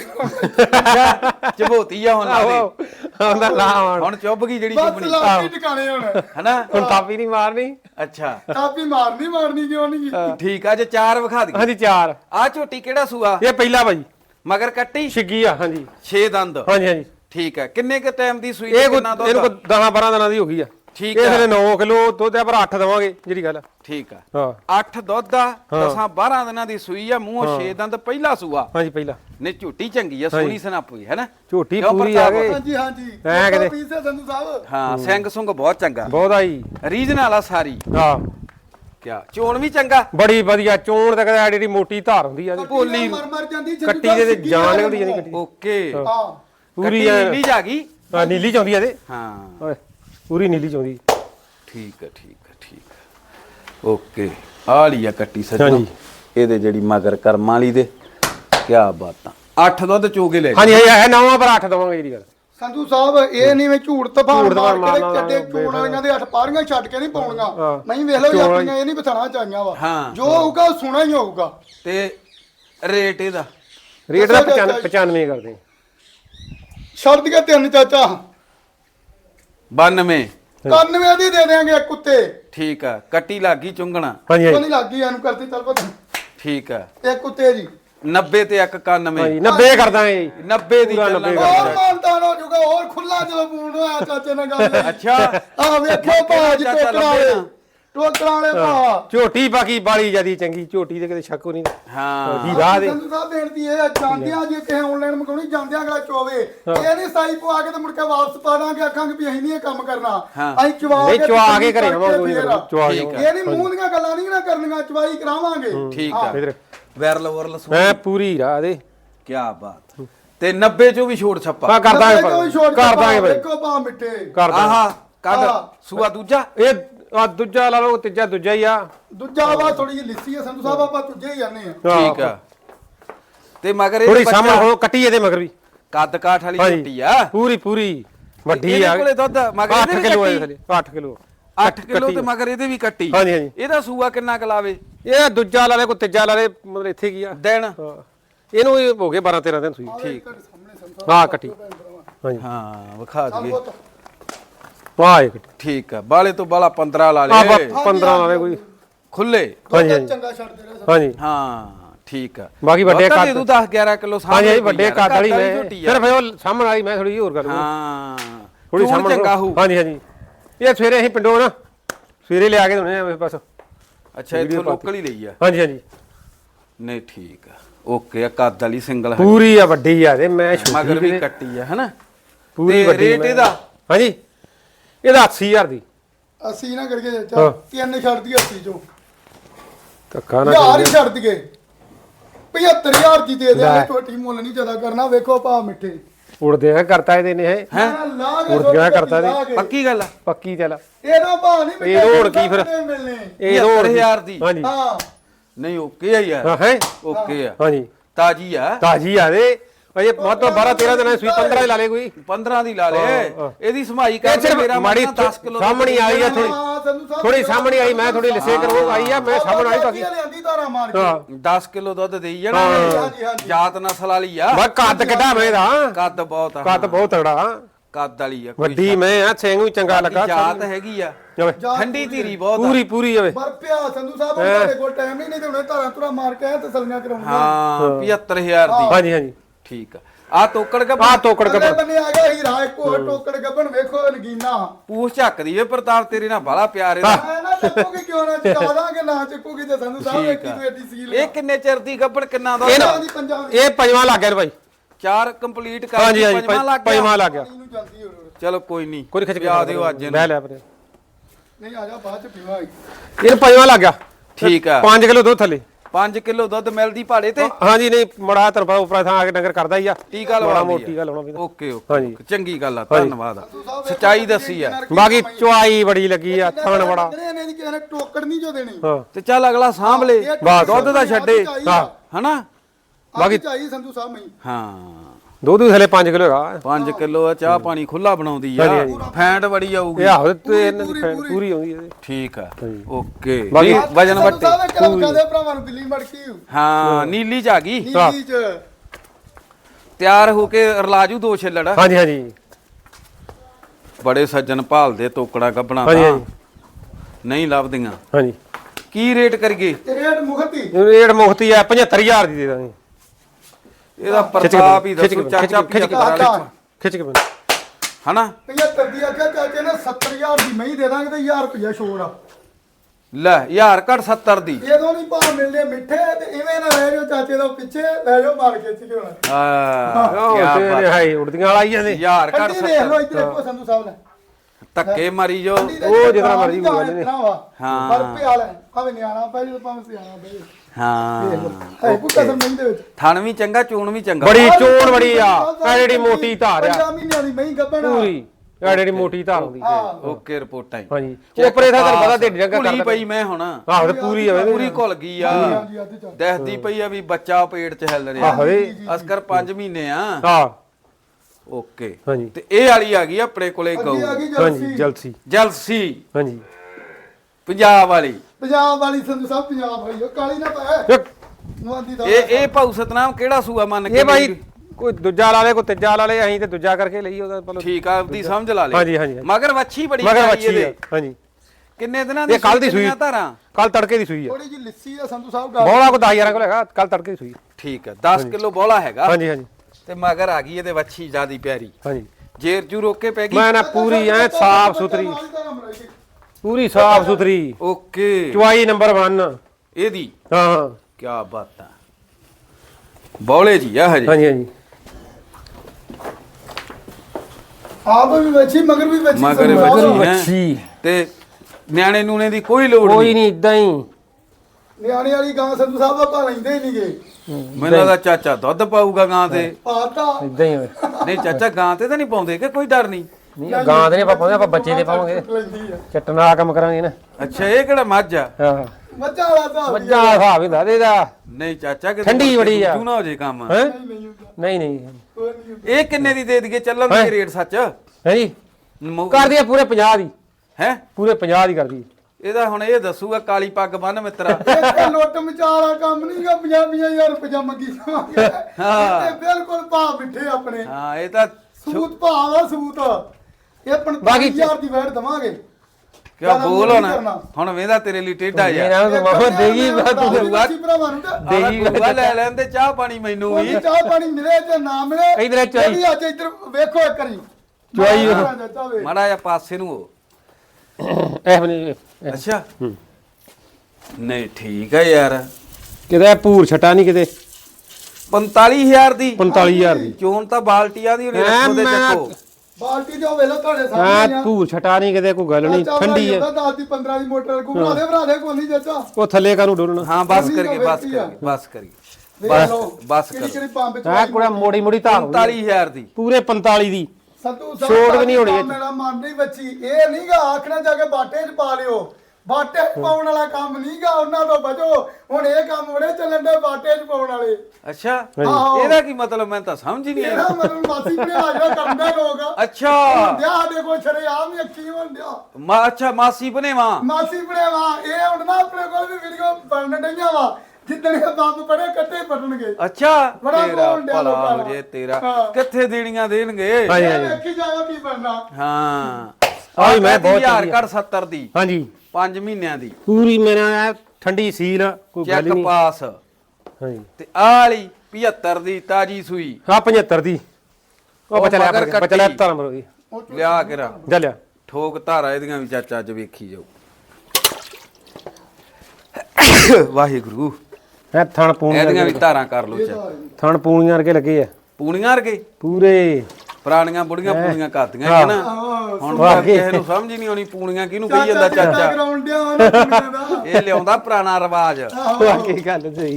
[SPEAKER 1] ਚਬੋਤੀ ਆ ਹੁਣ ਲਾ ਦੇ।
[SPEAKER 2] ਉਹਦਾ ਲਾ
[SPEAKER 1] ਹੁਣ ਚੁੱਭ ਗਈ ਜਿਹੜੀ
[SPEAKER 3] ਬਸ
[SPEAKER 1] ਚੁੱਭਣੀ
[SPEAKER 3] ਲਾਤੀ ਟਿਕਾਣੇ ਹੁਣ
[SPEAKER 1] ਹਨਾ।
[SPEAKER 2] ਹੁਣ ਤਾਪੀ ਨਹੀਂ ਮਾਰਨੀ।
[SPEAKER 1] ਅੱਛਾ
[SPEAKER 3] ਤਾਪੀ ਮਾਰਨੀ ਮਾਰਨੀ ਕਿਉਂ ਨਹੀਂ?
[SPEAKER 1] ਠੀਕ ਆ। ਜੇ ਚਾਰ ਵਿਖਾ ਦਈਏ।
[SPEAKER 2] ਹਾਂਜੀ ਚਾਰ।
[SPEAKER 1] ਆ ਝੋਟੀ ਕਿਹੜਾ ਸੂਆ?
[SPEAKER 2] ਇਹ ਪਹਿਲਾ ਭਾਈ
[SPEAKER 1] ਮਗਰ ਕੱਟੀ
[SPEAKER 2] ਛਿੱਗੀ ਆ। ਹਾਂਜੀ
[SPEAKER 1] ਛੇ ਦੰਦ।
[SPEAKER 2] ਹਾਂਜੀ ਹਾਂਜੀ
[SPEAKER 1] ਠੀਕ ਹੈ। ਕਿੰਨੇ ਕ ਟਾਈਮ ਦੀ ਸੂਈ?
[SPEAKER 2] ਇਹ ਇਹਨੂੰ ਕੋ ਦਸ ਬਾਰਾਂ ਦਿਨਾਂ ਦੀ ਹੋ ਗਈ ਆ।
[SPEAKER 1] ਠੀਕ
[SPEAKER 2] ਹੈ। ਇਹ ਨੌ ਕਿਲੋ ਦੁੱਧ ਆ, ਪਰ ਅੱਠ ਦਵਾਂਗੇ ਜਿਹੜੀ ਗੱਲ।
[SPEAKER 1] ਠੀਕ ਆ।
[SPEAKER 2] ਹਾਂ
[SPEAKER 1] ਅੱਠ ਦੁੱਧ ਆ, ਦਸਾਂ ਬਾਰਾਂ ਦਿਨਾਂ ਦੀ ਸੂਈ ਆ, ਮੂੰਹੋਂ ਛੇ ਦੰਦ, ਪਹਿਲਾ ਸੂਆ।
[SPEAKER 2] ਹਾਂਜੀ ਪਹਿਲਾ।
[SPEAKER 1] ਨੇ ਝੋਟੀ ਚੰਗੀ ਆ, ਸੋਹਣੀ ਸਨਾਪੀ ਹੈ ਨਾ।
[SPEAKER 2] ਝੋਟੀ ਪੂਰੀ ਆ ਗਈ।
[SPEAKER 3] ਹਾਂਜੀ ਹਾਂਜੀ
[SPEAKER 2] ਐ ਕਿਤੇ
[SPEAKER 3] ਪੀਸੇ ਸੰਧੂ ਸਾਹਿਬ।
[SPEAKER 1] ਹਾਂ ਸਿੰਘ ਸੁੰਗ ਬਹੁਤ ਚੰਗਾ,
[SPEAKER 2] ਬਹੁਤ ਆਈ
[SPEAKER 1] ਰੀਜਨਲ ਆ ਸਾਰੀ।
[SPEAKER 2] ਹਾਂ
[SPEAKER 1] ਕਿਆ ਚੋਣ ਵੀ ਚੰਗਾ
[SPEAKER 2] ਬੜੀ ਵਧੀਆ ਚੋਣ ਤੱਕ ਐਡੀ ਐਡੀ ਮੋਟੀ ਧਾਰ ਹੁੰਦੀ ਆ ਇਹਦੀ।
[SPEAKER 3] ਭੋਲੀ ਮਰ ਮਰ ਜਾਂਦੀ ਸੰਧੂ
[SPEAKER 2] ਕੱਟੀ
[SPEAKER 3] ਸਾਹਿਬ,
[SPEAKER 2] ਦੇ ਤੇ
[SPEAKER 3] ਸਿੱਗੀ
[SPEAKER 2] ਜਾਨ
[SPEAKER 3] ਆ
[SPEAKER 2] ਨਿਕਲਦੀ ਜਾਂਦੀ ਕੱਟੀ
[SPEAKER 1] ਓਕੇ
[SPEAKER 3] ਹਾਂ
[SPEAKER 2] ਪੂਰੀ
[SPEAKER 1] ਪੂਰੀ ਨੀਲੀ ਜਾ ਗਈ
[SPEAKER 2] ਹਾਂ ਨੀਲੀ ਚ ਆਉਂਦੀ ਆ ਇਹਦੇ
[SPEAKER 1] ਹਾਂ
[SPEAKER 2] ਓਏ ਪੂਰੀ ਨੀਲੀ ਚ ਆਉਂਦੀ
[SPEAKER 1] ਠੀਕ ਹੈ ਠੀਕ ਹੈ ਠੀਕ ਹੈ ਓਕੇ ਆ ਲਈ ਆ ਕੱਟੀ ਸੱਜਣਾ
[SPEAKER 2] ਹਾਂਜੀ।
[SPEAKER 1] ਇਹਦੇ ਜਿਹੜੀ ਮਗਰ ਕਰਮਾਂ ਵਾਲੀ ਦੇ ਕਿਆ ਬਾਤਾਂ ਅੱਠ ਦੁੱਧ ਚੋਗੇ ਲੈ
[SPEAKER 2] ਹਾਂਜੀ ਇਹ ਹੈ ਨਵਾਂ ਪਰ ਅੱਠ ਦਵਾਂਗੇ ਜਿਹੜੀ ਗੱਲ
[SPEAKER 3] ਸੰਧੂ ਸਾਹਿਬ ਇਹ ਨਹੀਂ ਮੈਂ ਝੂਠ ਤਫਾਨ
[SPEAKER 2] ਝੂਠ ਤਫਾਨ
[SPEAKER 3] ਮਾਰ ਕੇ
[SPEAKER 2] ਮਾਰਨਾ,
[SPEAKER 3] ਕੱਡੇ ਚੂਣ ਵਾਲੀਆਂ ਦੇ ਅੱਠ ਪਾਰੀਆਂ ਛੱਡ ਕੇ ਨਹੀਂ ਪਾਉਣੀਆਂ
[SPEAKER 2] ਹਾਂ।
[SPEAKER 3] ਨਹੀਂ ਵੇਖ ਲਓ ਆਪਣੀਆਂ ਇਹ ਨਹੀਂ ਬਥਾਣਾ ਚਾਹੀਆਂ ਵਾ
[SPEAKER 1] ਹਾਂ।
[SPEAKER 3] ਜੋ ਹੋਊਗਾ ਉਹ ਸੁਣਾ ਹੀ ਹੋਊਗਾ
[SPEAKER 1] ਤੇ ਰੇਟ ਇਹਦਾ
[SPEAKER 2] ਰੇਟ ਦਾ ਪਚਾਨਵੇਂ ਕਰਦੇ
[SPEAKER 3] ਛੱਡ ਕੇ ਤਿੰਨ ਚਾਚਾ
[SPEAKER 1] ਬਾਨਵੇਂ
[SPEAKER 3] ਇਕਾਨਵੇਂ ਦੀ ਦੇ ਦੇਾਂਗੇ ਇੱਕ ਕੁੱਤੇ
[SPEAKER 1] ਠੀਕ ਆ ਕੱਟੀ ਲੱਗੀ ਚੁੰਗਣਾ
[SPEAKER 2] ਹਾਂਜੀ
[SPEAKER 3] ਉਹ
[SPEAKER 2] ਹਾਂਜੀ
[SPEAKER 3] ਨਹੀਂ ਲੱਗੀ ਇਹਨੂੰ ਕਰਤੀ ਚੱਲ ਪਤ
[SPEAKER 1] ਠੀਕ ਆ
[SPEAKER 3] ਇੱਕ ਕੁੱਤੇ ਜੀ
[SPEAKER 1] ਨੱਬੇ ਤੇ ਇੱਕ ਇਕਾਨਵੇਂ
[SPEAKER 2] ਹਾਂਜੀ ਨੱਬੇ ਕਰ ਦਾਂਗੇ ਜੀ
[SPEAKER 1] ਨੱਬੇ ਦੀ
[SPEAKER 2] ਪੂਰਾ
[SPEAKER 1] ਚੱਲਣਾ
[SPEAKER 2] ਨੱਬੇ
[SPEAKER 3] ਹੋਰ ਮਾਨਤਾਨ ਹੋ ਜਾਊਗਾ ਹੋਰ ਖੁੱਲਾ ਜਦੋਂ ਫੋਨ ਹੋਇਆ ਚਾਚੇ ਨਾਲ ਗੱਲ
[SPEAKER 1] ਅੱਛਾ
[SPEAKER 3] ਆ ਵੇਖੋ ਭਾਜ
[SPEAKER 1] ਚਾਚਾ
[SPEAKER 3] ਟੋਕਰਾਂ
[SPEAKER 1] ਲੱਭੇ
[SPEAKER 3] ਵਾਲੇ
[SPEAKER 1] ਨਾ।
[SPEAKER 3] ਟੋਕਰਾਂ ਵਾਲੇ ਭਾ
[SPEAKER 2] ਝੋਟੀ ਬਾਕੀ ਬਾਲੀ ਜਿਆਦੀ ਚੰਗੀ ਝੋਟੀ ਤੇ ਕਿਤੇ ਸ਼ੱਕ ਨਹੀਂ
[SPEAKER 1] ਹਾਂ
[SPEAKER 2] ਜੀ ਰਾਹ ਦੇ
[SPEAKER 3] ਸੰਧੂ ਸਾਹਿਬ ਬੇਨਤੀ ਇਹ ਆ, ਜਾਂਦਿਆਂ ਜੇ ਕਿਸੇ ਆਨਲਾਈਨ ਮੰਗਾਉਣੀ ਜਾਂਦਿਆਂ ਅਗਲਾ ਚੋਵੇ ਇਹ ਨਹੀਂ ਸਾਈ ਪਵਾ ਕੇ ਤੇ ਮੁੜ ਕੇ ਵਾਪਸ ਪਾ ਦਾਂਗੇ ਆਖਾਂਗੇ ਵੀ ਅਸੀਂ ਨਹੀਂ ਇਹ ਕੰਮ ਕਰਨਾ
[SPEAKER 1] ਹਾਂ।
[SPEAKER 3] ਅਸੀਂ ਚਵਾ
[SPEAKER 2] ਨਹੀਂ
[SPEAKER 3] ਕੇ
[SPEAKER 2] ਚਵਾ ਕੇ
[SPEAKER 3] ਤਸੱਲੀ
[SPEAKER 2] ਘਰੇ ਆਵਾਂਗੇ ਕੋਈ
[SPEAKER 3] ਫੇਰ।
[SPEAKER 2] ਨਹੀਂ ਚਵਾ
[SPEAKER 1] ਠੀਕ
[SPEAKER 2] ਕੇ
[SPEAKER 1] ਆ।
[SPEAKER 3] ਇਹ ਨਹੀਂ ਮੂੰਹ ਦੀਆਂ ਗੱਲਾਂ ਨਹੀਂ ਨਾ ਕਰਨੀਆਂ ਚਵਾਈ ਕਰਾਵਾਂਗੇ
[SPEAKER 1] ਠੀਕ ਆ
[SPEAKER 2] ਇਧਰ
[SPEAKER 1] ਵੈਰਲ ਵਰਲ ਸੁਣ
[SPEAKER 2] ਮੈਂ ਪੂਰੀ ਰਾਹ ਦੇ
[SPEAKER 1] ਕਿਆ ਬਾਤ ਤੇ ਨੱਬੇ ਚੋਂ ਵੀ ਛੋੜ ਛੱਪਾ
[SPEAKER 2] ਆ ਕਰ ਦਾਂਗੇ
[SPEAKER 3] ਕੋਈ ਛੋਟ
[SPEAKER 2] ਕਰ ਦਾਂਗੇ ਬਾਈ
[SPEAKER 3] ਦੇਖੋ ਭਾ ਮਿੱਠੇ
[SPEAKER 2] ਕਰ ਦਾਂਗੇ
[SPEAKER 1] ਆਹਾ ਕੱਢ
[SPEAKER 3] ਆਹ।
[SPEAKER 1] ਸੂਆ ਦੂਜਾ
[SPEAKER 2] ਇਹ ਆ ਦੂਜਾ ਲਾ ਲਓ ਤੀਜਾ ਦੂਜਾ ਹੀ ਆ
[SPEAKER 3] ਦੂਜਾ ਵਾ ਥੋੜੀ ਜਿਹੀ ਲਿੱਸੀ ਆ ਸੰਧੂ ਸਾਹਿਬ ਆਪਾਂ ਤੁੱਜੇ ਹੀ ਜਾਂਦੇ ਆ
[SPEAKER 1] ਠੀਕ ਆ ਤੇ ਮਗਰ
[SPEAKER 2] ਥੋੜੀ
[SPEAKER 1] ਇਹ
[SPEAKER 2] ਸਾਹਮਣੇ ਹੋ ਕੱਟੀ ਇਹਦੇ ਮਗਰ ਵੀ
[SPEAKER 1] ਕੱਦ ਕਾਠ ਵਾਲੀ
[SPEAKER 2] ਹਾਂਜੀ
[SPEAKER 1] ਝੋਟੀ ਆ
[SPEAKER 2] ਪੂਰੀ ਪੂਰੀ ਵੱਡੀ
[SPEAKER 1] ਇਹਦੇ
[SPEAKER 2] ਆ
[SPEAKER 1] ਕੋਲੇ ਦੁੱਧ ਮਗਰ
[SPEAKER 2] ਅੱਠ
[SPEAKER 1] ਇਹਦੇ
[SPEAKER 2] ਕਿਲੋ
[SPEAKER 1] ਵੀ
[SPEAKER 2] ਹੈ
[SPEAKER 1] ਕੱਟੀ
[SPEAKER 2] ਥਲੇ ਅੱਠ ਕਿਲੋ
[SPEAKER 1] ਅੱਠ ਕਿਲੋ ਤੇ ਮਗਰ ਇਹਦੇ ਵੀ ਕੱਟੀ
[SPEAKER 2] ਹਾਂਜੀ ਹਾਂਜੀ
[SPEAKER 1] ਇਹਦਾ ਸੂਆ ਕਿੰਨਾ ਕਲਾਵੇ
[SPEAKER 2] ਇਹ ਦੂਜਾ ਲਾ ਲੈ ਕੋ ਤੀਜਾ ਲਾ ਲੈ ਮਤਲਬ ਇੱਥੇ ਕੀ ਆ
[SPEAKER 1] ਦਿਨ
[SPEAKER 2] ਹਾਂ। ਇਹਨੂੰ ਇਹ ਹੋ ਗਏ ਬਾਰਾਂ ਤੇਰਾਂ ਦਿਨ ਸੂਈ
[SPEAKER 1] ਠੀਕ
[SPEAKER 3] ਸਾਹਮਣੇ ਸੰਧੂ
[SPEAKER 2] ਹਾਂ ਕੱਟੀ ਹਾਂਜੀ
[SPEAKER 1] ਹਾਂ ਵਿਖਾ ਦਈਏ
[SPEAKER 3] ਸਾਹਿਬ
[SPEAKER 2] ਵਾਹ ਇਹ ਕੱਟੀ
[SPEAKER 1] ਠੀਕ ਆ ਬਾਲੇ ਤੋਂ ਬਾਲਾ ਪੰਦਰਾਂ ਲਾ
[SPEAKER 2] ਆ
[SPEAKER 1] ਲੇ
[SPEAKER 2] ਪੰਦਰਾਂ ਲਾ ਲੈ ਕੋਈ
[SPEAKER 1] ਖੁੱਲੇ
[SPEAKER 2] ਹਾਂਜੀ ਹਾਂਜੀ
[SPEAKER 3] ਚੰਗਾ ਛੱਡਦੇ ਰਹੇ
[SPEAKER 2] ਹਾਂਜੀ
[SPEAKER 1] ਹਾਂ ਠੀਕ ਆ
[SPEAKER 2] ਬਾਕੀ ਵੱਡੇ
[SPEAKER 1] ਕੱਦ
[SPEAKER 2] ਕੱਦ
[SPEAKER 1] ਤੂੰ ਦਸ ਗਿਆਰਾਂ ਕਿਲੋ
[SPEAKER 2] ਹਾਂਜੀ ਹਾਂਜੀ ਵੱਡੇ ਕੱਦ ਵਾਲੀ ਮੈਂ
[SPEAKER 1] ਝੋਟੀ ਆ
[SPEAKER 2] ਸਿਰਫ ਉਹ ਸਾਹਮਣੇ ਵਾਲੀ ਮੈਂ ਥੋੜੀ ਜਿਹੀ ਹੋਰ ਕਰ ਲੂੰ
[SPEAKER 1] ਹਾਂ
[SPEAKER 2] ਥੋੜੀ
[SPEAKER 1] ਚੋਣ
[SPEAKER 2] ਸਾਹਮਣੇ
[SPEAKER 1] ਚੰਗਾ ਹੋਊ
[SPEAKER 2] ਹਾਂਜੀ ਹਾਂਜੀ ਇਹ ਸਵੇਰੇ ਅਸੀਂ ਪਿੰਡੋਂ ਨਾ ਸਵੇਰੇ ਲਿਆ ਕੇ ਦੋਨੇ ਆ ਬਸ
[SPEAKER 1] ਅੱਛਾ ਇੱਥੋਂ ਲੋਕਲ ਹੀ ਲਈ ਆ
[SPEAKER 2] ਹਾਂਜੀ ਹਾਂਜੀ
[SPEAKER 1] ਨਹੀਂ ਠੀਕ ਆ ਓਕੇ ਆ ਕੱਦ ਵਾਲੀ ਸਿੰਗਲ ਹੈ
[SPEAKER 2] ਪੂਰੀ ਆ ਵੱਡੀ ਆ ਤੇ ਮੈਂ
[SPEAKER 1] ਮਗਰ
[SPEAKER 2] ਛੋਟੀ
[SPEAKER 1] ਵੀ ਕੱਟੀ ਆ ਹਨਾ
[SPEAKER 2] ਪੂਰੀ
[SPEAKER 1] ਤੇ
[SPEAKER 2] ਵੱਡੀ
[SPEAKER 1] ਰੇਟ
[SPEAKER 2] ਮੈਂ-
[SPEAKER 1] ਇਹਦਾ?
[SPEAKER 2] ਹਾਂਜੀ ਇਹਦਾ ਅੱਸੀ ਹਜ਼ਾਰ ਦੀ
[SPEAKER 3] ਅਸੀਂ ਨਾ ਕਰਕੇ
[SPEAKER 2] ਹਾਂ।
[SPEAKER 3] ਚਾਚਾ ਤਿੰਨ ਛੱਡ ਦੀ ਅੱਸੀ ਚੋਂ
[SPEAKER 2] ਧੱਕਾ ਨਾ
[SPEAKER 3] ਯਾਰ ਹੀ
[SPEAKER 2] ਕਰੀਏ।
[SPEAKER 3] ਛੱਡ ਦਈਏ ਪਝੱਤਰ ਹਜ਼ਾਰ ਦੀ ਦੇ ਦੇ
[SPEAKER 2] ਲੈ।
[SPEAKER 3] ਛੋਟੀ ਮੁੱਲ ਨਹੀਂ ਜ਼ਿਆਦਾ ਕਰਨਾ ਵੇਖੋ ਭਾ ਮਿੱਠੇ
[SPEAKER 2] ਉੜਦੇ ਆ ਕਰਤਾ ਇਹਦੇ ਨੇ ਇਹ
[SPEAKER 1] ਹੈਂ?
[SPEAKER 3] ਮੈਂ ਲਾ ਕੇ
[SPEAKER 2] ਉੜ
[SPEAKER 3] ਸੁੱਟ
[SPEAKER 2] ਗਿਆ
[SPEAKER 3] ਕੇ
[SPEAKER 2] ਕਰਤਾ
[SPEAKER 3] ਲਾ ਕੇ।
[SPEAKER 1] ਪੱਕੀ ਗੱਲ ਆ
[SPEAKER 2] ਪੱਕੀ ਚੱਲ
[SPEAKER 3] ਇਹਦਾ ਭਾ ਨਹੀਂ
[SPEAKER 2] ਇਹ ਰੋੜ ਕੀ ਫਿਰ?
[SPEAKER 3] ਮਿਲਨੇ
[SPEAKER 2] ਇਹ ਰੋੜ
[SPEAKER 1] ਪਝੱਤਰ ਹਜ਼ਾਰ ਦੀ
[SPEAKER 2] ਹਾਂਜੀ
[SPEAKER 3] ਹਾਂ
[SPEAKER 1] ਨਹੀਂ ਓਕੇ ਆ ਯਾਰ
[SPEAKER 2] ਹਾਂ ਹੈ
[SPEAKER 1] ਓਕੇ ਆ
[SPEAKER 2] ਹਾਂਜੀ
[SPEAKER 1] ਤਾਜੀ ਆ
[SPEAKER 2] ਤਾਜੀ ਆ ਦੇ ਅਜੇ ਮਤਲਬ ਬਾਰਾਂ ਤੇਰਾਂ ਦਿਨਾਂ ਦੀ ਸੂਈ ਪੰਦਰਾਂ ਹੀ ਲਾ ਲੇ ਕੋਈ
[SPEAKER 1] ਪੰਦਰਾਂ ਦੀ ਲਾ ਲੇ
[SPEAKER 2] ਹਾਂ।
[SPEAKER 1] ਇਹਦੀ ਸਮਾਈ
[SPEAKER 2] ਇਹ
[SPEAKER 1] ਕਰ
[SPEAKER 2] ਸਿਰਫ
[SPEAKER 1] ਮੇਰਾ
[SPEAKER 2] ਮਾੜੀ
[SPEAKER 1] ਦਸ ਕਿਲੋ
[SPEAKER 2] ਸਾਹਮਣੀ ਆਈ ਆ ਥੋੜੀ
[SPEAKER 3] ਹਾਂ, ਸੰਧੂ ਸਾਹਿਬ
[SPEAKER 2] ਥੋੜੀ ਸਾਹਮਣੇ ਆਈ ਮੈਂ ਥੋੜੀ ਲਿਸੇ ਕਰੋ ਆਈ ਆ ਮੈਂ ਸਾਹਮਣੇ ਆਈ ਬਾਕੀ
[SPEAKER 3] ਲਿਆਂਦੀ ਤਾਰਾ ਮਾਰ ਕੇ
[SPEAKER 2] ਹਾਂ
[SPEAKER 1] ਦਸ ਕਿਲੋ ਦੁੱਧ ਦੇਈ ਜਾਣਾ
[SPEAKER 3] ਹਾਂਜੀ ਹਾਂਜੀ
[SPEAKER 1] ਜਾਤ ਨਸਲ ਵਾਲੀ ਆ
[SPEAKER 2] ਬਾ ਕੱਦ ਕਿੱਡਾ ਮੈਂ ਦਾ
[SPEAKER 1] ਕੱਦ ਬਹੁਤ ਆ
[SPEAKER 2] ਕੱਦ ਬਹੁਤ ਤਗੜਾ
[SPEAKER 1] ਕੱਦ ਵਾਲੀ ਆ ਕੋਈ
[SPEAKER 2] ਵੱਡੀ ਮੈਂ ਆ ਸਿੰਘ ਵੀ ਚੰਗਾ ਲੱਗਾ
[SPEAKER 1] ਜਾਤ ਹੈਗੀ ਆ
[SPEAKER 2] ਜਾਵੇ
[SPEAKER 1] ਠੰਡੀ ਧੀਰੀ ਬਹੁਤ ਆ
[SPEAKER 2] ਪੂਰੀ ਪੂਰੀ ਜਾਵੇ
[SPEAKER 3] ਪਰ ਪਿਆ ਸੰਧੂ ਸਾਹਿਬ ਹੁਣ ਤੁਹਾਡੇ ਕੋਲ ਟਾਈਮ ਨਹੀਂ ਨਹੀਂ ਤੇ ਹੁਣੇ ਧਾਰਾਂ ਧੁਰਾ ਮਾਰ ਕੇ ਆਇਆ ਤਸਲੀਆਂ ਕਰਾਉਣੀਆਂ
[SPEAKER 1] ਹਾਂ ਪਝੱਤਰ ਹਜ਼ਾਰ ਦੀ
[SPEAKER 2] ਹਾਂਜੀ ਹਾਂਜੀ
[SPEAKER 1] ਠੀਕ ਆ ਆ ਤੋਕੜ ਕੇ
[SPEAKER 2] ਆ ਤੋਕੜ
[SPEAKER 3] ਅਗਲੇ
[SPEAKER 2] ਕੱਪੜ
[SPEAKER 3] ਬੰਨੇ ਆ ਗਿਆ ਹੀਰਾ ਇੱਕ ਹੋਰ ਟੋਕੜ ਗੱਬਣ ਵੇਖੋ ਨਗੀਨਾ
[SPEAKER 1] ਪੂਛ ਝੱਕਦੀ ਏ ਪ੍ਰਤਾਪ ਤੇਰੇ ਨਾਲ ਬਾਲਾ ਪਿਆਰ ਇਹਦਾ
[SPEAKER 3] ਮੈਂ ਨਾ ਚੱਕੂਗੀ ਕਿਉਂ ਨਾ ਚਕਾ ਦਾਂਗੇ ਨਾ ਚੱਕੂਗੀ ਤੇ ਸੰਧੂ ਸਾਹਿਬ ਇੱਕ
[SPEAKER 1] ਠੀਕ ਆ।
[SPEAKER 3] ਹੀ ਐਡੀ ਸੀਲ
[SPEAKER 1] ਇਹ ਕਿੰਨੇ ਚਿਰ ਦੀ ਗੱਬੜ ਕਿੰਨਾ ਦਾ
[SPEAKER 2] ਇਹ ਨਾ-
[SPEAKER 3] ਦੀ ਪੰਜਾਬ ਦੀ
[SPEAKER 2] ਇਹ ਪੰਜਵਾਂ ਲੱਗ ਗਿਆ ਭਾਈ
[SPEAKER 1] ਚਾਰ ਕੰਪਲੀਟ ਕਰ
[SPEAKER 2] ਹਾਂਜੀ ਹਾਂਜੀ
[SPEAKER 1] ਪੰਜਵਾਂ ਲੱਗ ਗਿਆ
[SPEAKER 2] ਪੰਜਵਾਂ ਲੱਗ ਗਿਆ
[SPEAKER 3] ਨੂੰ ਜਲਦੀ ਹੋ ਰਿਹਾ।
[SPEAKER 1] ਚਲੋ ਕੋਈ ਨਹੀਂ
[SPEAKER 2] ਕੋਈ ਖਿੱਚ ਕੇ
[SPEAKER 1] ਪਿਆ ਦਿਓ ਅੱਜ
[SPEAKER 2] ਬਹਿ
[SPEAKER 1] ਇਹਨੂੰ
[SPEAKER 2] ਲਿਆ ਪਰੇ
[SPEAKER 3] ਨਹੀਂ ਆ ਜਾ ਬਾਅਦ ਚ ਪੀਵਾਂਗੇ
[SPEAKER 2] ਇਹ ਪੰਜਵਾਂ ਲੱਗ ਗਿਆ
[SPEAKER 1] ਠੀਕ ਆ
[SPEAKER 2] ਪੰਜ ਕਿਲੋ ਦੁੱਧ ਥੱਲੇ
[SPEAKER 1] ਪੰਜ ਕਿਲੋ ਦੁੱਧ ਮਿਲਦੀ ਭਾੜੇ ਤੇ
[SPEAKER 2] ਹਾਂਜੀ ਨਹੀਂ ਮੜਾ ਤਰਫਾ ਉਪਰ ਥਾਂ ਆ ਕੇ ਡੰਗਰ ਕਰਦਾ ਹੀ ਆ
[SPEAKER 1] ਟੀਕਾ
[SPEAKER 2] ਬੜਾ
[SPEAKER 1] ਲਵਾ
[SPEAKER 2] ਮੋਟੀ ਗੱਲ ਹੋਣਾ ਪੈਂਦਾ
[SPEAKER 1] ਓਕੇ ਓਕੇ
[SPEAKER 2] ਹਾਂਜੀ।
[SPEAKER 1] ਚੰਗੀ ਗੱਲ ਆ ਧੰਨਵਾਦ ਆ ਸਚਾਈ ਦੱਸੀ ਆ
[SPEAKER 2] ਬਾਕੀ ਚੁਆਈ ਬੜੀ ਲੱਗੀ ਆ ਥਣ ਬੜਾ
[SPEAKER 3] ਇਹਨੇ ਦੀ ਕਿਸੇ ਨੇ ਟੋਕੜ ਨਹੀਂ ਜੋ ਦੇਣੀ
[SPEAKER 2] ਹਾਂ
[SPEAKER 1] ਤੇ ਚੱਲ ਅਗਲਾ ਸਾਂਭ ਲੇ
[SPEAKER 2] ਬਸ।
[SPEAKER 1] ਦੁੱਧ ਦਾ ਛੱਡੇ
[SPEAKER 2] ਹਾਂ
[SPEAKER 1] ਹਨਾ
[SPEAKER 3] ਬਾਕੀ ਚਾਹੀਏ ਸੰਧੂ ਸਾਹਿਬ ਮੈਂ
[SPEAKER 1] ਹਾਂ
[SPEAKER 2] ਦੁੱਧ ਵੀ ਥੱਲੇ ਪੰਜ ਕਿਲੋ ਹੈਗਾ
[SPEAKER 1] ਪੰਜ ਕਿਲੋ ਆ ਚਾਹ ਪਾਣੀ ਖੁੱਲਾ ਬਣਾਉਂਦੀ ਆ
[SPEAKER 2] ਹਾਂਜੀ,
[SPEAKER 1] ਫੈਂਟ ਬੜੀ ਆਊਗੀ
[SPEAKER 2] ਇਹ ਆਹੋ ਤੇ ਇਹਨਾਂ ਦੀ ਫੈਨ ਪੂਰੀ ਆਉਂਦੀ ਹੈ
[SPEAKER 1] ਠੀਕ ਆ ਓਕੇ
[SPEAKER 2] ਬਾਕੀ-
[SPEAKER 1] ਨਹੀਂ, ਵਜਨ ਵੱਟੇ
[SPEAKER 3] ਕਦੇ ਭਰਾਵਾਂ ਨੂੰ ਬਿੱਲੀ ਮੜਕੀ
[SPEAKER 1] ਹਾਂ ਨੀਲੀ ਚ ਆ ਗਈ
[SPEAKER 3] ਨੀਲੀ ਚ
[SPEAKER 1] ਤਿਆਰ ਹੋ ਕੇ ਰਲਾਜੂ ਦੋ ਛਿੱਲੜ
[SPEAKER 2] ਹਾਂਜੀ ਹਾਂਜੀ
[SPEAKER 1] ਬੜੇ ਸੱਜਣ ਭਾਲਦੇ ਤੋਕੜਾ ਕੱਢਣਾ
[SPEAKER 2] ਹਾਂਜੀ,
[SPEAKER 1] ਤਾਂ
[SPEAKER 2] ਹਾਂਜੀ।
[SPEAKER 1] ਨਹੀਂ ਲੱਭਦੀਆਂ
[SPEAKER 2] ਹਾਂਜੀ
[SPEAKER 1] ਕੀ ਰੇਟ ਕਰੀਏ
[SPEAKER 3] ਤੇ ਰੇਟ ਮੁਖਤੀ
[SPEAKER 2] ਰੇਟ ਮੁਖਤੀ ਆ ਪਝੱਤਰ ਹਜ਼ਾਰ ਦੀ ਦੇ ਦਾਂਗੇ
[SPEAKER 1] ਇਹਦਾ
[SPEAKER 2] ਖਿੱਚ ਕੇ
[SPEAKER 1] ਪ੍ਰਤਾਪ ਹੀ
[SPEAKER 2] ਖਿੱਚ ਕੇ
[SPEAKER 1] ਦੱਸੋ ਚਾਚਾ
[SPEAKER 2] ਖਿੱਚ ਕੇ
[SPEAKER 1] ਪਝੱਤਰ ਵਾਲੇ ਚ।
[SPEAKER 2] ਖਿੱਚ ਕੇ
[SPEAKER 1] ਹਨਾ
[SPEAKER 3] ਪਝੱਤਰ ਦੀ ਆਖਿਆ ਚਾਚੇ ਨੇ ਸੱਤਰ ਹਜ਼ਾਰ ਦੀ ਮਹੀਂ ਦੇ ਦਾਂਗੇ ਤੇ ਹਜ਼ਾਰ ਰੁਪਇਆ ਛੋੜ ਆ
[SPEAKER 1] ਲੈ ਹਜ਼ਾਰ ਘੱਟ ਸੱਤਰ ਦੀ
[SPEAKER 3] ਇਹਦੋਂ ਨਹੀਂ ਭਾਅ ਮਿਲਦੇ ਮਿੱਠੇ ਤੇ ਇਵੇਂ ਨਾ ਰਹਿ ਜਾਓ ਚਾਚੇ ਦਾ ਪਿੱਛੇ ਲੈ ਜਾਓ ਮਾਰ ਕੇ ਚਿਕੇ ਹੋਣਾ
[SPEAKER 1] ਆ
[SPEAKER 2] ਉਹ
[SPEAKER 1] ਕੀ
[SPEAKER 2] ਤੇ
[SPEAKER 1] ਬਾਤ
[SPEAKER 2] ਹਾਈ ਉੜਦੀਆਂ ਵਾਲਾ ਹੀ ਜਾਂਦੇ
[SPEAKER 1] ਹਜ਼ਾਰ ਘੱਟ
[SPEAKER 3] ਕੱਢੀ ਦੇਖ ਲਓ
[SPEAKER 1] ਸੱਤਰ
[SPEAKER 3] ਇੱਧਰ ਦੇਖੋ ਸੰਧੂ ਸਾਹਿਬ ਨੇ
[SPEAKER 1] ਧੱਕੇ ਮਾਰੀ ਜੋ
[SPEAKER 2] ਉਹ ਜਿतना ਮਰਜ਼ੀ ਬੋਲ ਲੈਣੇ।
[SPEAKER 3] ਹਾਂ ਪਰ ਪਿਆਲ ਹੈ ਭਾਵੇਂ ਨਿਆਣਾ ਪੈ ਜੇ ਭਾਵੇਂ ਸਿਆਣਾ ਪੈ ਜੇ
[SPEAKER 1] ਹਾਂ
[SPEAKER 3] ਹੈ ਕੋਈ ਕਸਰ ਨਹੀਂ ਦੇ ਵਿੱਚ
[SPEAKER 1] ਥਣ ਵੀ ਚੰਗਾ ਚੂਣ ਵੀ ਚੰਗਾ
[SPEAKER 2] ਬੜੀ ਚੋਣ ਬੜੀ ਆ ਐ ਜਿਹੜੀ ਮੋਟੀ ਧਾਰ ਆ
[SPEAKER 3] ਪੰਜਾਂ ਮਹੀਨਿਆਂ ਦੀ ਮਹੀਂ ਗੱਭਣ
[SPEAKER 2] ਪੂਰੀ ਐ ਜਿਹੜੀ ਮੋਟੀ ਧਾਰ ਹੁੰਦੀ
[SPEAKER 1] ਓਕੇ ਰਿਪੋਰਟਾਂ ਹੀ
[SPEAKER 2] ਹਾਂਜੀ ਉਪਰੇ ਤਾਂ ਤੁਹਾਨੂੰ ਪਤਾ ਢਿੱਡ ਜੰਗਾ
[SPEAKER 1] ਘੁਲੀ ਪਈ ਮੈਂ ਹੁਣ
[SPEAKER 2] ਆਹੋ ਤੇ ਪੂਰੀ ਆ
[SPEAKER 1] ਪੂਰੀ ਘੁਲ ਗਈ ਆ
[SPEAKER 3] ਹਾਂਜੀ ਅੱਧ ਚ
[SPEAKER 1] ਦੱਸਦੀ ਪਈ ਆ ਵੀ ਬੱਚਾ ਪੇਟ 'ਚ ਹਿੱਲ ਰਿਹਾ
[SPEAKER 2] ਆਹੋ ਇਹ
[SPEAKER 1] ਅਸਕਰ ਪੰਜ ਮਹੀਨੇ ਆ
[SPEAKER 2] ਹਾਂ
[SPEAKER 1] ਓਕੇ
[SPEAKER 2] ਹਾਂਜੀ
[SPEAKER 1] ਤੇ ਇਹ ਵਾਲੀ ਆ ਗਈ ਆਪਣੇ ਕੋਲੇ ਗਊ
[SPEAKER 3] ਅੱਗੇ ਆ ਗਈ
[SPEAKER 2] ਹਾਂਜੀ
[SPEAKER 3] ਜਲਸੀ
[SPEAKER 2] ਜਲਸੀ
[SPEAKER 1] ਜਲਸੀ
[SPEAKER 2] ਹਾਂਜੀ
[SPEAKER 1] ਪੰਜਾਬ ਵਾਲੀ
[SPEAKER 3] ਪੰਜਾਬ ਵਾਲੀ ਸੰਧੂ ਸਾਹਿਬ ਪੰਜਾਬ ਵਾਲੀ ਉਹ ਕਾਲੀ ਨਾ ਪੈ
[SPEAKER 2] ਇੱਕ
[SPEAKER 3] ਮੁਆਂਦੀ ਦਾ
[SPEAKER 1] ਇਹ ਇਹ ਭਾਊ ਸਤਨਾਮ ਕਿਹੜਾ ਸੂਆ ਮੰਨ ਕੇ
[SPEAKER 2] ਇਹ ਭਾਈ
[SPEAKER 1] ਲਈ?
[SPEAKER 2] ਕੋਈ ਦੂਜਾ ਲਾ ਲੇ ਕੋਈ ਤੀਜਾ ਲਾ ਲੇ ਅਸੀਂ ਤੇ ਦੂਜਾ ਕਰਕੇ ਲਈ ਉਹਦਾ ਪਹਿਲਾਂ
[SPEAKER 1] ਠੀਕ ਆ ਆਪਦੀ ਸਮਝ ਲਾ ਲੈ
[SPEAKER 2] ਹਾਂਜੀ ਹਾਂਜੀ
[SPEAKER 1] ਮਗਰ ਵੱਛੀ ਬੜੀ
[SPEAKER 2] ਮਗਰ
[SPEAKER 1] ਪਿਆਰੀ
[SPEAKER 2] ਵੱਛੀ ਆ
[SPEAKER 1] ਇਹਦੇ।
[SPEAKER 2] ਹਾਂਜੀ
[SPEAKER 1] ਕਿੰਨੇ ਦਿਨਾਂ ਦੀ
[SPEAKER 2] ਇਹ ਕੱਲ੍ਹ ਦੀ ਸੂਈ।
[SPEAKER 1] ਕਿੰਨੀਆਂ ਧਾਰਾਂ
[SPEAKER 2] ਕੱਲ ਤੜਕੇ ਦੀ ਸੂਈ ਆ
[SPEAKER 3] ਥੋੜੀ ਜੀ ਲੱਸੀ ਆ ਸੰਧੂ ਸਾਹਿਬ ਗੱਲ
[SPEAKER 2] ਬੋਲਾ ਕੋ ਦਸ ਹਜ਼ਾਰ ਕੋਲ ਹੈਗਾ ਕੱਲ ਤੜਕੇ ਦੀ ਸੂਈ
[SPEAKER 1] ਠੀਕ ਆ ਦਸ ਕਿਲੋ ਬੋਲਾ ਹੈਗਾ
[SPEAKER 2] ਹਾਂਜੀ ਹਾਂਜੀ
[SPEAKER 1] ਤੇ ਮਗਰ ਆ ਗਈ ਇਹਦੇ ਵੱਛੀ ਜਿਆਦੀ ਪਿਆਰੀ
[SPEAKER 2] ਹਾਂਜੀ
[SPEAKER 1] ਜੇਰ ਜੂ ਰੋਕੇ ਪੈ ਗਈ
[SPEAKER 2] ਮੈਂ ਨਾ ਪੂਰੀ ਐ ਸਾਫ ਸੁਥਰੀ ਪੂਰੀ ਸਾਫ ਸੁਥਰੀ
[SPEAKER 1] ਓਕੇ
[SPEAKER 2] ਚੁਆਈ ਨੰਬਰ ਇੱਕ
[SPEAKER 1] ਇਹਦੀ
[SPEAKER 2] ਹਾਂ ਹਾਂ
[SPEAKER 1] ਕੀ ਬਾਤ ਆ ਬੋਲੇ ਜੀ ਆ ਹਜੇ
[SPEAKER 3] ਆਪ ਵੀ ਵੇਚੀ ਮਗਰ ਵੀ ਵੇਚੀ
[SPEAKER 1] ਮਗਰ
[SPEAKER 3] ਸੰਧੂ ਸਾਹਿਬ।
[SPEAKER 1] ਵੱਛੀ ਹੈਂ।
[SPEAKER 2] ਵੱਛੀ
[SPEAKER 1] ਤੇ ਨਿਆਣੇ ਨੂਣੇ ਦੀ ਕੋਈ ਲੋੜ
[SPEAKER 2] ਕੋਈ
[SPEAKER 1] ਨਹੀਂ
[SPEAKER 2] ਨਹੀਂ ਇਦਾਂ ਹੀ
[SPEAKER 3] ਨਿਆਣੇ ਵਾਲੀ ਗਾਂ ਸੰਧੂ ਸਾਹਿਬ ਦਾ ਭਾ ਲੈਂਦੇ ਹੀ ਨਹੀਂਗੇ
[SPEAKER 1] ਮੈਨੂੰ ਦਾ ਚਾਚਾ ਦੁੱਧ ਪਾਊਗਾ ਗਾਂ ਤੇ
[SPEAKER 3] ਪਾਤਾ
[SPEAKER 2] ਇਦਾਂ ਹੀ ਹੋਵੇ
[SPEAKER 1] ਨਹੀਂ ਚਾਚਾ ਗਾਂ ਤੇ ਤਾਂ ਨਹੀਂ ਪਾਉਂਦੇ ਕਿ ਕੋਈ ਡਰ ਨਹੀਂ
[SPEAKER 2] ਨਹੀਂ ਗਾਂ ਦੇ ਨਹੀਂ ਆਪਾਂ ਪਾਉਂਦੇ ਆਪਾਂ ਬੱਚੇ ਦੇ ਪਾਵਾਂਗੇ
[SPEAKER 3] ਲੈਂਦੀ ਆ
[SPEAKER 2] ਚਟਨਾ ਕੰਮ ਕਰਾਂਗੇ ਨਾ
[SPEAKER 1] ਅੱਛਾ ਇਹ ਕਿਹੜਾ ਮੱਝ ਆ
[SPEAKER 2] ਹਾਂ
[SPEAKER 3] ਮੱਝਾਂ ਵਾਲਾ ਤਾਂ
[SPEAKER 2] ਮੱਝਾਂ ਦਾ ਹਿਸਾਬ ਹੁੰਦਾ ਇਹਦਾ
[SPEAKER 1] ਨਹੀਂ ਚਾਚਾ ਕਿ
[SPEAKER 2] ਠੰਡੀ ਬੜੀ ਆ।
[SPEAKER 1] ਨਾ ਹੋ ਜੇ ਕੰਮ
[SPEAKER 2] ਹੈ
[SPEAKER 3] ਨਹੀਂ ਹੁੰਦਾ
[SPEAKER 2] ਨਹੀਂ ਨਹੀਂ
[SPEAKER 3] ਕੋਈ ਨਹੀਂ ਹੁੰਦਾ।
[SPEAKER 1] ਇਹ ਕਿੰਨੇ ਦੀ ਦੇ ਦਈਏ ਚੱਲਣ ਦੇ ਰੇਟ ਸੱਚ
[SPEAKER 2] ਹੈ ਜੀ ਕਰਦੀ ਆ ਪੂਰੇ ਪੰਜਾਹ ਦੀ
[SPEAKER 1] ਹੈ
[SPEAKER 2] ਪੂਰੇ ਪੰਜਾਹ ਦੀ ਕਰਦੀ
[SPEAKER 1] ਇਹਦਾ ਹੁਣ ਇਹ ਦੱਸੂਗਾ ਕਾਲੀ ਪੱਗ ਬੰਨ ਮਿੱਤਰਾ
[SPEAKER 3] ਇੱਕ ਲੁੱਟ ਮਚਾਲਾ ਕੰਮ ਨਹੀਂਗਾ ਪੰਜਾਹ ਪੰਜਾਹ ਹਜ਼ਾਰ ਰੁਪਇਆ ਮੰਗੀ ਜਾਵਾਂਗੇ
[SPEAKER 1] ਹਾਂ।
[SPEAKER 3] ਇਹ ਬਿਲਕੁਲ ਭਾਅ ਮਿੱਠੇ ਆਪਣੇ
[SPEAKER 1] ਹਾਂ ਇਹ ਤਾਂ
[SPEAKER 3] ਸੂਤ ਭਾਅ ਦਾ ਸੂਤ ਇਹ ਪੰਤਾਲੀ ਹਜ਼ਾਰ ਦੀ ਵੈਟ ਦਵਾਂਗੇ
[SPEAKER 1] ਕਿਆ ਬੋਲ ਹੁਣ ਹੁਣ ਵੇਂਦਾ ਤੇਰੇ ਲਈ ਟੇਢਾ ਜਾ
[SPEAKER 2] ਇਹਨਾਂ ਨੂੰ ਮਾਮਾ ਦੇਗੀ ਮੈਂ ਤੂੰ
[SPEAKER 3] ਦਊਗਾ ਭਰਾਵਾਂ ਨੂੰ ਤੇ
[SPEAKER 1] ਦੇਗੀ ਬੂਆ ਲੈ ਲੈਂਦੇ ਚਾਹ ਪਾਣੀ ਮੈਨੂੰ ਵੀ
[SPEAKER 3] ਕੋਈ ਚਾਹ ਪਾਣੀ ਮਿਲੇ ਤੇ ਨਾ ਮਿਲੇ
[SPEAKER 2] ਇਧਰ ਚਾਹੀ
[SPEAKER 3] ਇਹਦੀ ਅੱਜ ਇੱਧਰ ਵੇਖੋ ਇੱਕ ਵਾਰੀ
[SPEAKER 2] ਚੁਆਈ ਉਹ।
[SPEAKER 3] ਚਾਚਾ ਵੇ।
[SPEAKER 1] ਮਾੜਾ ਜਿਹਾ ਪਾਸੇ ਨੂੰ ਹੋ
[SPEAKER 2] ਇਹ ਬਣੀ
[SPEAKER 1] ਅੱਛਾ ਨਹੀਂ ਠੀਕ ਹੈ ਯਾਰ
[SPEAKER 2] ਕਿਤੇ ਭੂਰ ਛਟਾ ਨਹੀਂ ਕਿਤੇ
[SPEAKER 1] ਪੰਤਾਲੀ ਹਜ਼ਾਰ ਦੀ
[SPEAKER 2] ਪੰਤਾਲੀ ਹਜ਼ਾਰ ਦੀ
[SPEAKER 1] ਚੋਣ ਤਾਂ ਬਾਲਟੀਆਂ ਦੀ ਹੋਣੀ
[SPEAKER 2] ਐ
[SPEAKER 1] ਰੱਖੋ ਤੇ
[SPEAKER 2] ਮੈਂ-
[SPEAKER 1] ਚੱਕੋ
[SPEAKER 3] ਬਾਲਟੀ ਜੋ ਵੇਲੇ ਤੁਹਾਡੇ ਸਾਹਮਣੇ
[SPEAKER 2] ਹਾਂ ਭੂਰ ਛਟਾ ਨਹੀਂ ਕਿਤੇ ਕੋਈ ਗੱਲ ਨਹੀਂ ਠੰਡੀ ਹੈ
[SPEAKER 3] ਦਸ ਦੀ ਪੰਦਰਾਂ ਦੀ ਮੋਟਰ ਘੁਮਾ ਦੇ ਭਰਾ ਦੇ ਕੋਈ ਨਹੀਂ ਚਾਚਾ
[SPEAKER 2] ਉਹ ਥੱਲੇ ਕਾਨੂੰ ਡੋਲਣਾ
[SPEAKER 1] ਹਾਂ ਬਸ
[SPEAKER 3] ਠੰਡੀ
[SPEAKER 1] ਕਰੀਏ
[SPEAKER 3] ਤਾਂ
[SPEAKER 1] ਬਸ
[SPEAKER 3] ਵੇਖੀ ਆ।
[SPEAKER 1] ਕਰੀਏ ਬਸ ਕਰੀਏ
[SPEAKER 3] ਵੇਖ ਲਓ
[SPEAKER 1] ਬਸ
[SPEAKER 3] ਕਿਹੜੀ
[SPEAKER 1] ਕਰੋ।
[SPEAKER 3] ਕਿਹੜੀ ਪੰਪ ਚ
[SPEAKER 2] ਆ ਕੁੜਾ ਮੋੜੀ ਮੋੜੀ ਧਾਰ ਹੋਊਗੀ।
[SPEAKER 1] ਪੰਤਾਲੀ ਹਜ਼ਾਰ ਦੀ
[SPEAKER 2] ਪੂਰੇ ਪੰਤਾਲੀ ਦੀ
[SPEAKER 3] ਸੰਤੂ
[SPEAKER 2] ਛੋਟ ਵੀ ਨਹੀਂ ਹੋਣੀ ਇਹ 'ਚ।
[SPEAKER 3] ਮੇਰਾ ਮਨ ਨਹੀਂ ਬੱਚੀ ਇਹ ਨਹੀਂਗਾ ਆਖਣਾ ਜਾ ਕੇ ਬਾਟੇ 'ਚ ਪਾ ਲਿਓ ਬਾਟੇ 'ਚ ਪਾਉਣ ਵਾਲਾ ਕੰਮ ਨਹੀਂਗਾ ਉਹਨਾਂ ਤੋਂ ਬਚੋ ਹੁਣ ਇਹ ਕੰਮ ਬੜੇ ਚੱਲਣ ਦੇ ਬਾਟੇ 'ਚ ਪਾਉਣ ਵਾਲੇ
[SPEAKER 1] ਅੱਛਾ
[SPEAKER 3] ਆਹੋ।
[SPEAKER 1] ਇਹਦਾ ਕੀ ਮਤਲਬ ਮੈਂ ਤਾਂ ਸਮਝ ਹੀ ਨਹੀਂ
[SPEAKER 3] ਇਹਦਾ
[SPEAKER 1] ਆਇਆ
[SPEAKER 3] ਮਤਲਬ ਮਾਸੀ ਬਣੇ ਆ ਜਾ ਕਰਦਾ ਲੋਕ
[SPEAKER 1] ਅੱਛਾ
[SPEAKER 3] ਹੁੰਦਿਆ ਸਾਡੇ ਕੋਲ ਛੜੇ ਆਮ ਹੀ ਅੱਖੀ ਹੁੰਦਿਆ
[SPEAKER 1] ਮਾ ਅੱਛਾ ਮਾਸੀ ਬਨੇ ਵਾਂ
[SPEAKER 3] ਮਾਸੀ ਬਣੇ ਵਾ ਇਹ ਹੁਣ ਨਾ ਆਪਣੇ ਕੋਲ ਵੀ ਵੀਡੀਓ ਬਣਨ ਡਈਆਂ ਵਾ ਜਿੱਦਣ ਇਹ ਬੰਬ ਪੜੇ ਕੱਟੇ ਪਟਣਗੇ
[SPEAKER 1] ਅੱਛਾ
[SPEAKER 3] ਬੜਾ
[SPEAKER 1] ਤੇਰਾ
[SPEAKER 3] ਬੋਲ ਡਿਆ
[SPEAKER 1] ਭਲਾ
[SPEAKER 3] ਲੋਕਾਂ
[SPEAKER 1] ਹੋ
[SPEAKER 3] ਦਾ।
[SPEAKER 1] ਜੇ ਤੇਰਾ
[SPEAKER 3] ਹਾਂ।
[SPEAKER 1] ਕਿੱਥੇ ਦੇਣੀਆਂ ਦੇਣਗੇ
[SPEAKER 2] ਹਾਂਜੀ
[SPEAKER 3] ਇਹ
[SPEAKER 2] ਹਾਂਜੀ
[SPEAKER 3] ਵੇਖੀ ਜਾਓ ਕੀ ਬਣਨਾ
[SPEAKER 1] ਹਾਂ
[SPEAKER 2] ਆਹੀ ਮੈਂ ਬਹੁਤ
[SPEAKER 1] ਹਜ਼ਾਰ
[SPEAKER 2] ਚੰਗੀ ਆ।
[SPEAKER 1] ਕੱਢ ਸੱਤਰ ਦੀ
[SPEAKER 2] ਹਾਂਜੀ
[SPEAKER 1] ਪੰਜ ਮਹੀਨਿਆਂ ਦੀ
[SPEAKER 2] ਪੂਰੀ ਮੇਰਾ ਐ ਠੰਡੀ ਸੀਲ ਕੋਈ ਗੱਲ
[SPEAKER 1] ਚੈੱਕ
[SPEAKER 2] ਨਹੀਂ
[SPEAKER 1] ਪਾਸ
[SPEAKER 2] ਹਾਂਜੀ
[SPEAKER 1] ਤੇ ਆਹ ਵਾਲੀ ਪਝੱਤਰ ਦੀ ਤਾਜੀ ਸੂਈ
[SPEAKER 2] ਹਾਂ ਪਝੱਤਰ ਦੀ ਉਹ
[SPEAKER 1] ਉਹ
[SPEAKER 2] ਬਚਲਿਆ
[SPEAKER 1] ਮਗਰ
[SPEAKER 2] ਬਚਲਿਆ
[SPEAKER 1] ਕੱਟੀ।
[SPEAKER 2] ਧਰਮ ਰੋਗੀ
[SPEAKER 1] ਲਿਆ ਕੇ ਰਾ
[SPEAKER 2] ਜਾ ਲਿਆ
[SPEAKER 1] ਠੋਕ ਧਾਰਾ ਇਹਦੀਆਂ ਵੀ ਚਾਚਾ ਅੱਜ ਵੇਖੀ ਜਾਓ ਵਾਹਿਗੁਰੂ
[SPEAKER 2] ਐ ਥਣ ਪੂਣੀਆਂ
[SPEAKER 1] ਇਹਦੀਆਂ ਵੀ
[SPEAKER 2] ਵਰਗੇ-
[SPEAKER 1] ਧਾਰਾਂ ਕਰ ਲੋ ਚਾ
[SPEAKER 2] ਥਣ ਪੂਣੀਆਂ ਵਰਗੇ ਲੱਗੇ ਆ
[SPEAKER 1] ਪੂਣੀਆਂ ਵਰਗੇ
[SPEAKER 2] ਪੂਰੇ
[SPEAKER 1] ਪੁਰਾਣੀਆਂ ਬੁੜੀਆਂ ਪੂਣੀਆਂ ਕਰਦੀਆਂ ਹੀ ਨਾ ਹੁਣ ਤਾਂ ਕਿਸੇ ਨੂੰ ਸਮਝ ਹੀ ਨਹੀਂ ਆਉਣੀ ਪੂਣੀਆਂ ਕਿਹਨੂੰ ਕਹੀ ਜਾਂਦਾ ਚਾਚਾ
[SPEAKER 3] ਗਰਾਊਂਡ ਡਿਆ ਉਹਨਾਂ ਕੁੜੀਆਂ ਦਾ
[SPEAKER 1] ਇਹ ਲਿਆਉਂਦਾ ਪੁਰਾਣਾ ਰਿਵਾਜ
[SPEAKER 2] ਵਾਕਈ ਗੱਲ ਸਹੀ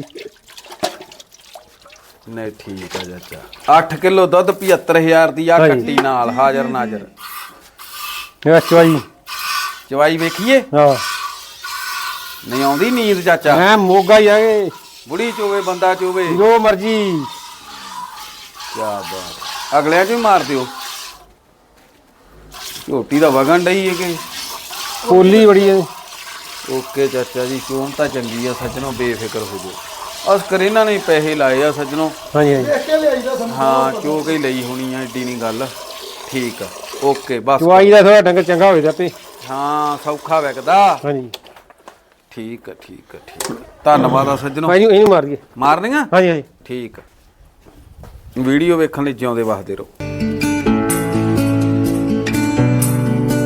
[SPEAKER 1] ਨਹੀਂ ਠੀਕ ਆ ਚਾਚਾ ਅੱਠ ਕਿਲੋ ਦੁੱਧ ਪਝੱਤਰ ਹਜ਼ਾਰ ਦੀ ਆ
[SPEAKER 2] ਹਾਂਜੀ।
[SPEAKER 1] ਕੱਟੀ ਨਾਲ ਹਾਜ਼ਰ ਨਾਜ਼ਰ
[SPEAKER 2] ਇਹ ਚਵਾਈ
[SPEAKER 1] ਚਵਾਈ ਵੇਖੀਏ
[SPEAKER 2] ਹਾਂ
[SPEAKER 1] ਨਹੀਂ ਆਉਂਦੀ ਨੀਂਦ ਚਾਚਾ
[SPEAKER 2] ਮੈਂ ਮੋਗਾ ਹੀ ਆਗੇ
[SPEAKER 1] ਬੁੜੀ ਚੋਵੇ ਬੰਦਾ ਚੋਵੇ
[SPEAKER 2] ਜੋ ਮਰਜੀ
[SPEAKER 1] ਕੀ ਬਾਤ ਅਗਲਿਆਂ ਚ ਵੀ ਮਾਰ ਦਿਓ ਝੋਟੀ ਦਾ ਵਗਣ ਡਈ ਹੈ ਕਿ
[SPEAKER 2] ਕੋਲੀ ਬੜੀ ਹੈ
[SPEAKER 1] ਓਕੇ ਚਾਚਾ ਜੀ ਚੋਣ ਤਾਂ ਚੰਗੀ ਆ ਸੱਜਣੋ ਬੇਫਿਕਰ ਹੋ ਜਾਓ ਅਸ ਕਰ ਇਹਨਾਂ ਨੇ ਪੈਸੇ ਲਾਏ ਆ ਸੱਜਣੋ
[SPEAKER 2] ਹਾਂਜੀ ਹਾਂਜੀ
[SPEAKER 3] ਦੇਖ ਕੇ ਲਿਆਈਦਾ ਸੰਧੂ
[SPEAKER 1] ਹਾਂ ਚੋ ਕੇ ਹੀ ਲਈ ਹੋਣੀ ਆ ਏਡੀ ਨਹੀਂ ਗੱਲ ਠੀਕ ਆ ਓਕੇ ਬਸ
[SPEAKER 2] ਚਵਾਈ ਦਾ ਥੋੜਾ ਡੰਗਰ ਚੰਗਾ ਹੋਵੇ ਤੇ
[SPEAKER 1] ਹਾਂ ਸੌਖਾ ਵਿਕਦਾ
[SPEAKER 2] ਹਾਂਜੀ
[SPEAKER 1] ਠੀਕ ਆ ਠੀਕ ਆ ਠੀਕ ਆ ਧੰਨਵਾਦ ਆ ਸੱਜਣੋ
[SPEAKER 2] ਭਾਈ ਨੂੰ ਇਹਨੂੰ ਮਾਰ ਦਈਏ
[SPEAKER 1] ਮਾਰਨੀਆਂ
[SPEAKER 2] ਹਾਂਜੀ ਹਾਂਜੀ
[SPEAKER 1] ਠੀਕ ਆ ਵੀਡੀਓ ਵੇਖਣ ਲਈ ਜਿਉਂਦੇ ਵਸਦੇ ਰਹੋ